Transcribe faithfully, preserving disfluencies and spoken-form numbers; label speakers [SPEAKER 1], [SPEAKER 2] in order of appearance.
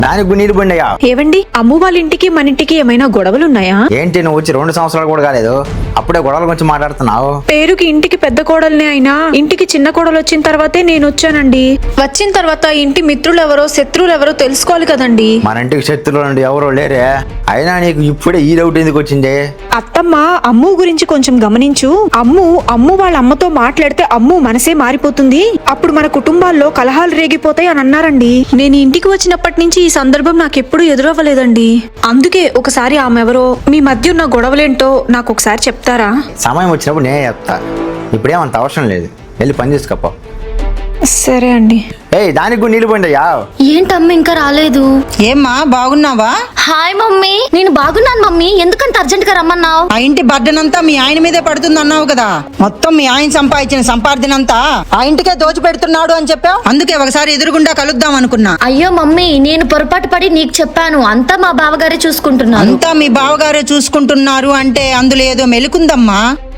[SPEAKER 1] దానికి నీళ్ళు బండియా.
[SPEAKER 2] ఏవండి, అమ్ము వాళ్ళ ఇంటికి మన ఇంటికి ఏమైనా గొడవలున్నాయా?
[SPEAKER 1] ఏంటి నువ్వు వచ్చి రెండు సంవత్సరాలు కూడా కాలేదు, అప్పుడే గొడవల గురించి మాట్లాడుతున్నావు?
[SPEAKER 2] పేరుకి ఇంటికి పెద్ద కోడల్నే అయినా ఇంటికి చిన్న కోడలు వచ్చిన తర్వాతే నేను వచ్చానండి. వచ్చిన తర్వాత ఇంటి మిత్రులు ఎవరో శత్రువులు ఎవరో తెలుసుకోవాలి కదండి.
[SPEAKER 1] మన ఇంటికి శత్రువులు అండి ఎవరో లేరే, అయినా నీకు ఇప్పుడే ఈ డౌట్ ఎందుకు వచ్చింది?
[SPEAKER 2] అత్తమ్మ అమ్ము గురించి కొంచెం గమనించు. అమ్ము అమ్ము వాళ్ళ అమ్మతో మాట్లాడితే అమ్ము మనసే మారిపోతుంది, అప్పుడు మన కుటుంబాల్లో కలహాలు రేగిపోతాయి అని అన్నారండి. నేను ఇంటికి వచ్చినప్పటి నుంచి ఈ సందర్భం నాకెప్పుడు ఎదురవ్వలేదండి. అందుకే ఒకసారి ఆమె ఎవరో, మీ మధ్య ఉన్న గొడవలేంటో నాకు ఒకసారి చెప్తారా?
[SPEAKER 1] సమయం వచ్చినప్పుడు నేనే చెప్తా, ఇప్పుడేమంత అవసరం లేదు, వెళ్ళి పని చేసుకోపో.
[SPEAKER 2] సరే అండి.
[SPEAKER 1] ఏయ్ దానికి కూడా నీళ్ళు బండియా.
[SPEAKER 3] ఏంటమ్మ ఇంకా రాలేదు?
[SPEAKER 4] ఏమ్మా బాగున్నావా?
[SPEAKER 3] హాయ్ మమ్మీ, నేను బాగున్నాను మమ్మీ. ఎందుకంత అర్జెంట్ గా రమ్మన్నావు?
[SPEAKER 4] ఆ ఇంటి బర్డెనంతా మీ ఆయన మీదే పడుతుంది అన్నావు కదా, మొత్తం మీ ఆయన సంపాదించిన సంపాదనంతా ఆ ఇంటికే దోచి పెడుతున్నాడు అని చెప్పావు. అందుకే ఒకసారి ఎదురుగుండా కలుద్దాం అనుకున్నా.
[SPEAKER 3] అయ్యో మమ్మీ, నేను పొరపాటు పడి నీకు చెప్పాను. అంతా మా బావగారే చూసుకుంటున్నారు.
[SPEAKER 4] అంతా మీ బావగారే చూసుకుంటున్నారు అంటే అందులో ఏదో మెలుకుందమ్మా.